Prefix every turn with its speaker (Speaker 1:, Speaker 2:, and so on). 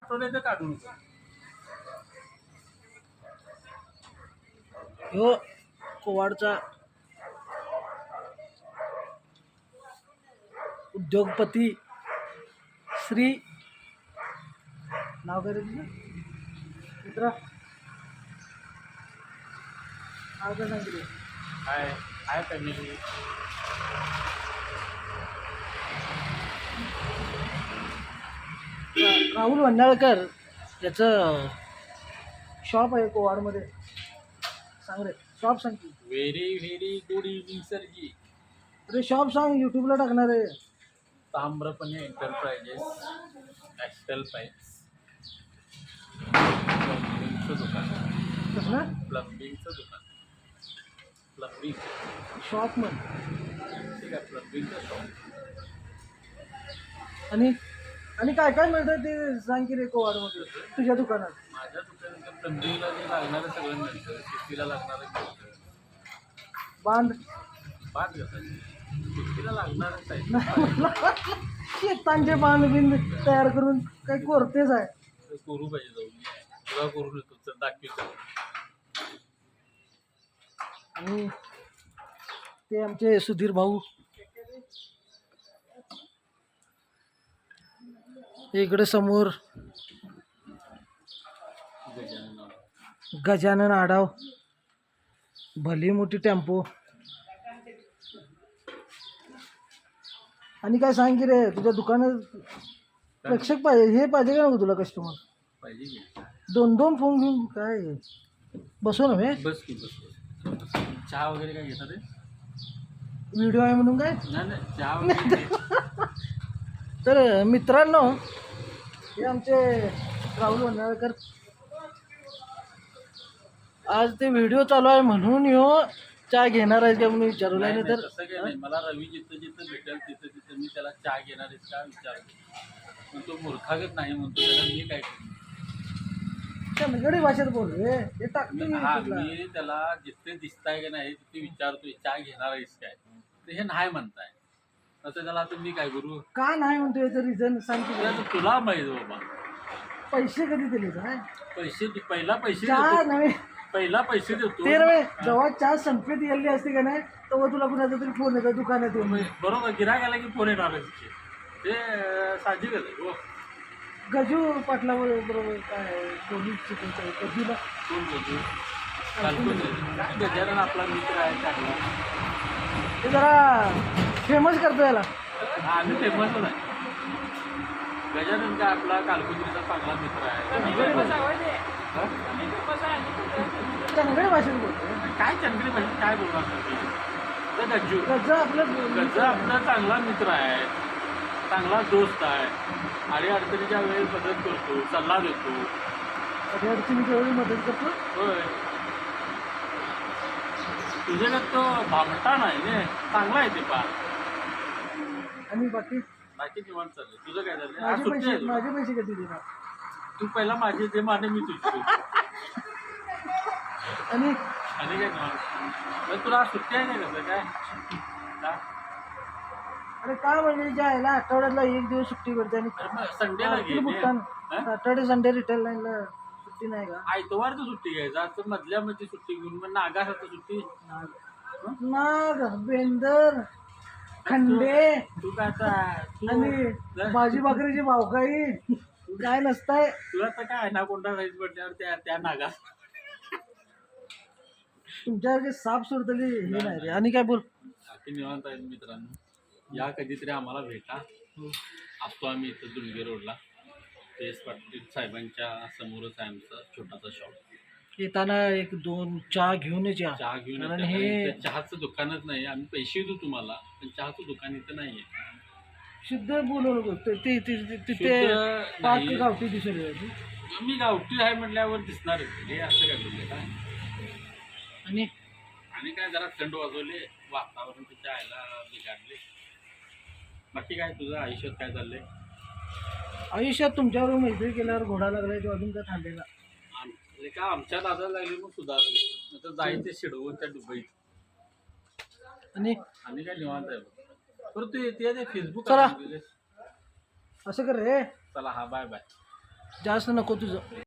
Speaker 1: आठवड्याचं काढून
Speaker 2: ह्यो कोवाडचा उद्योगपती श्री नाव काय रे तुझं मित्रा नाव काय सांगितलं
Speaker 1: हाय हाय फॅमिली.
Speaker 2: राहुल वंडाळकर याचं शॉप आहे कोवाडमध्ये. सांग रे शॉप सांग की.
Speaker 1: व्हेरी व्हेरी गुड इव्हनिंग सरजी.
Speaker 2: अरे शॉप सांग यूट्यूबला टाकणार आहे.
Speaker 1: ताम्रपणे एंटरप्राइजेस ॲस्टल पाईप्स प्लंबिंगचं दुकान.
Speaker 2: कसं
Speaker 1: प्लंबिंगचं दुकान. प्लंबिंग
Speaker 2: शॉप म्हण.
Speaker 1: ठीक आहे प्लंबिंगचं शॉप.
Speaker 2: आणि आणि काय काय मिळतं ते सांग की रे कोवाडमध्ये तुझ्या दुकानात.
Speaker 1: माझ्या दुकानात प्लंबिंगला जे लागणारं सगळं मिळतं. शेतीला लागणारं मिळतं.
Speaker 2: बांध
Speaker 1: बांध घासायची शेतीला लागणारच आहे.
Speaker 2: शेतांचे बांध बिंद तयार करून काही कोरतेच आहे.
Speaker 1: करू पाहिजे जाऊन तुला करून येतो तर दाखवतो.
Speaker 2: आणि ते आमचे सुधीर भाऊ इकडे समोर गजानन आडाव भली मोठी टेम्पो. आणि काय सांग की रे तुझ्या दुकानात प्रेक्षक पाहिजे हे पाहिजे का नको तुला कस्टमर
Speaker 1: पाहिजे की
Speaker 2: दोन दोन फोन घेऊन काय बसव ना
Speaker 1: बस की बस. चहा वगैरे काय घेतात रे?
Speaker 2: व्हिडिओ आहे म्हणून काय.
Speaker 1: नाही नाही चहा वगैरे
Speaker 2: तर मित्रांनो हे आमचे राहुल वंडाळकर आज ते व्हिडिओ चालू आहे म्हणून ह्यो चहा घेणार आहे का म्हणून विचारलं.
Speaker 1: नाही
Speaker 2: नाही
Speaker 1: नाही,
Speaker 2: तर
Speaker 1: तसं काही नाही. मला रवी जिथं जिथं भेटेल तिथं तिथं मी त्याला चहा घेणार आहेस का विचारतो. पण तो मूर्खागत नाही म्हणतो त्याला मी काय करू.
Speaker 2: चंदगडी भाषेत बोल रे हे टाकतो मी
Speaker 1: हा
Speaker 2: YouTubeला.
Speaker 1: मी त्याला जिथे दिसताय का नाही तिथे विचारतोय चहा घेणार आहेस काय तर हे नाही म्हणताय. तसं त्याला आता मी काय करू.
Speaker 2: का नाही म्हणतो याचं रिझन सांग की
Speaker 1: ते आता तुला माहिती बाबा.
Speaker 2: पैसे कधी दिले काय
Speaker 1: पैसे पहिला पैसे
Speaker 2: चहा
Speaker 1: देतो.
Speaker 2: नव्हे
Speaker 1: पहिला पैसे देतो.
Speaker 2: ते नव्हे जेव्हा चहा संपेत गेली असते का नाही तेव्हा तुला कुणाचा तरी फोन येतो दुकानात येऊन.
Speaker 1: बरोबर गिराक आला की फोन येणारच की. ते साहजिकच आहे हो.
Speaker 2: गजू पाटला बरोबर काय पोलीस चिकनचा गजूला
Speaker 1: कोण बोलतो कालकोन काय गजानन आपला मित्र आहे चांगला.
Speaker 2: ते जरा फेमस करतो याला.
Speaker 1: हा आम्ही फेमसच आहे. गजानन काय आपला कालकुंजीचा चांगला मित्र आहे. हा?
Speaker 2: चंदगडी भाषेत बोलतो.
Speaker 1: काय चंद्री भाषेत काय बोलणार ते गज्जू
Speaker 2: गज आपलं
Speaker 1: गज्जू आपला चांगला मित्र आहे. चांगला दोस्त आहे. आणि अडचणीच्या वेळी मदत करतो सल्ला देतो.
Speaker 2: कधी अडचणीच्या वेळी मदत करतो.
Speaker 1: होय तुझ्याकडे तो भामटा नाही ने चांगला आहे ते पार.
Speaker 2: आणि बाकी
Speaker 1: बाकी निवांत चाललंय. तुझं काय झालं आज सुट्टी आहे तुला?
Speaker 2: माझे पैसे कधी देणार.
Speaker 1: तू पहिला माझे ते माने मी तुझी
Speaker 2: आणि
Speaker 1: आणि काय निवांत. तुला आज सुट्टी आहे का कसं काय का?
Speaker 2: अरे काय म्हणजे जायला आठवड्यातला एक दिवस सुट्टी भेटते आणि
Speaker 1: संडेला घे
Speaker 2: सॅटर्डे संडे रिटेल लाईनला सुट्टी नाही का.
Speaker 1: आयतवारचं सुट्टी घ्यायचं आता मधल्या मध्ये सुट्टी घेऊन मग नागासाठी सुट्टी.
Speaker 2: नाग बेंदर खंडे
Speaker 1: तू काय आता
Speaker 2: आणि भाजी भाकरीची भावकाई काय नसताय.
Speaker 1: तुला तर काय ना कोणता साईज पडल्यावर त्या नागा
Speaker 2: तुमच्यासारखे साप सोडतली हे नाही रे. आणि काय बोल.
Speaker 1: बाकी निवांत आहेत मित्रांनो. या कधीतरी आम्हाला भेटा. असतो आम्ही इथं दुलगे रोडला तेच पाटील साहेबांच्या समोरच आहे आमचा छोटासा शॉप.
Speaker 2: येताना एक दोन चहा घेऊनच या.
Speaker 1: चहा घेऊन
Speaker 2: कारण
Speaker 1: येतो.
Speaker 2: हे
Speaker 1: इथं चहाचं दुकानच नाही. आम्ही पैसे देऊ तुम्हाला पण चहाचं दुकान इथं नाही आहे.
Speaker 2: शुद्ध बोलू नको तिथे
Speaker 1: शुद्ध
Speaker 2: पाच
Speaker 1: नाही.
Speaker 2: गावठी दिसेल.
Speaker 1: मी गावठी आहे म्हटल्यावर दिसणार हे असं काय बोलले काय.
Speaker 2: आणि
Speaker 1: आणि काय जरा थंड वाजवले वातावरण तिच्या आयला बिघडले. बाकी काय तुझं आयुष्यात काय चाललंय?
Speaker 2: आयुष्यात तुमच्यावर मैत्री केल्यावर घोडा लागलाय तो अजून काय थांबलेला.
Speaker 1: म्हणजे काय आमच्या दादा लागली मग सुधारले. आता जायचे शिडवून त्या दुबईत.
Speaker 2: आणि
Speaker 1: काय निवांत आहे बरं. तू येते ते फेसबुक
Speaker 2: चला. असं कर रे.
Speaker 1: चला हा बाय बाय.
Speaker 2: जास्त नको तुझं.